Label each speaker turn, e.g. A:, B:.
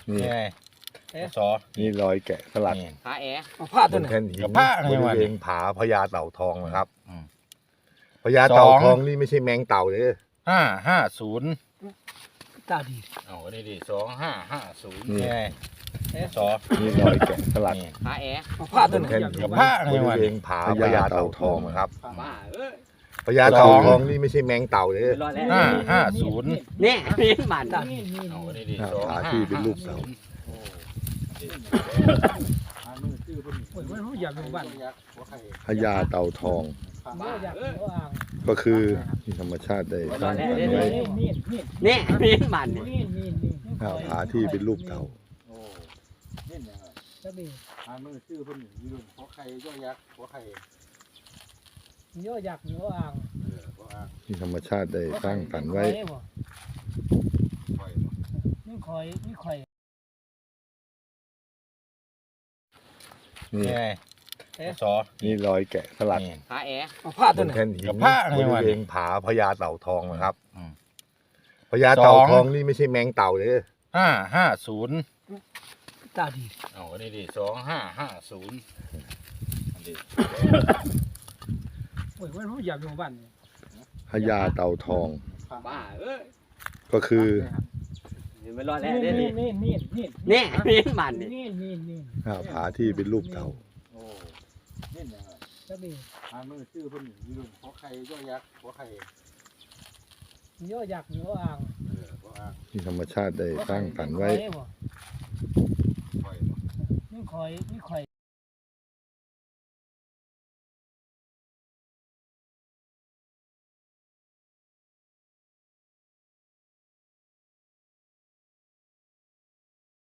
A: นี่ไงสอ
B: นี่รอยแกะสลัก
C: ผาแอ
D: ผ้า
B: บ
D: ตัวน ไหน
B: แท่นหิน
A: กับผ้าอะไร
B: บ
A: วะ
B: ริเวณผาพญาเต่าทองนะครับ
A: อืม
B: พญาเต่า
A: สอง
B: ทองนี่ไม่ใช่แมงเต่าเลย
A: 550
D: ตาดี
A: เอาอันนี้ดิ2550
B: นี่
A: นี่ไงสอ
B: นี่รอยแกะสลัก
C: ผาแอ
D: ผ้าตัวไหน
B: บนแท่นหิน
A: กับผ้าอะไร
B: บ
A: วะ
B: ริเวณผาพญาเต่าทองนะครับ
C: บ้าเอ้ย
B: พญาเต่าทองนี่ไม่ใช่แมงเต่าเลย
C: รอดแล้ว
A: 550
C: เนี่ยนี่มัน
A: เอาอันนี้ดิ
B: ผาที่เป็นรูปเต่า
D: โอ้ยมันอยากอยู่บ้าน
B: พญาเต่าทอง
C: บ้า
D: อยากอ
C: เอ้ย
D: ยู่อ่าง
B: ก็คือที่ธรรมชาติได้สร้างสรรค์ไว้
D: นี่
C: เนี่ยนี่มัน
D: นี่
B: ผาที่เป็นรูปเต่า
D: ตาดี
E: มือชื่อเพิ่นอยู่รุ่นหัวไข่ย่อยักษ์หัวไข่
D: ย่ออยากอยู่อ่าง
E: หัวอ่าง
B: ที่ธรรมชาติได้สร้างสรรค์ไว้
D: นี่คอย
B: นี่
A: นี่ไงสอ
B: นี่รอยแกะสลัก
C: ผาแอ
D: ผ้า
B: บ
D: ตัวน ไหน
B: แท่นหิน
A: กับผ้าอะไร
B: บริ
A: วะ
B: เวณผาพญาเต่าทองนะครับ
A: อืม
B: พญาเต่า
A: สอง
B: ทองนี่ไม่ใช่แมงเต่าเลย
A: 550
D: ตาดี
A: เอาอันนี้ดิ2550อันนี้
D: โอ้ยมันอยากอยู่บ้าน
B: พญาเต่าทอง
C: บ้าเอ้ย
B: ก็คือ
C: ไม่รอดแล้วเนี่ย
D: นี่
C: เนี่ยนี่มัน
D: นี่
B: ผาที่เป็นรูปเต่า
E: โอ้นี่เนี่ย
D: ตาดี
E: มือชื่อเพิ่นอยู่รุ่นหัวไข่ย่อยักษ์หัวไข่
D: ย่ออยากอยู่อ่าง
E: หัวอ่าง
B: ที่ธรรมชาติได้สร้างสรรค์ไว้
D: นี่คอย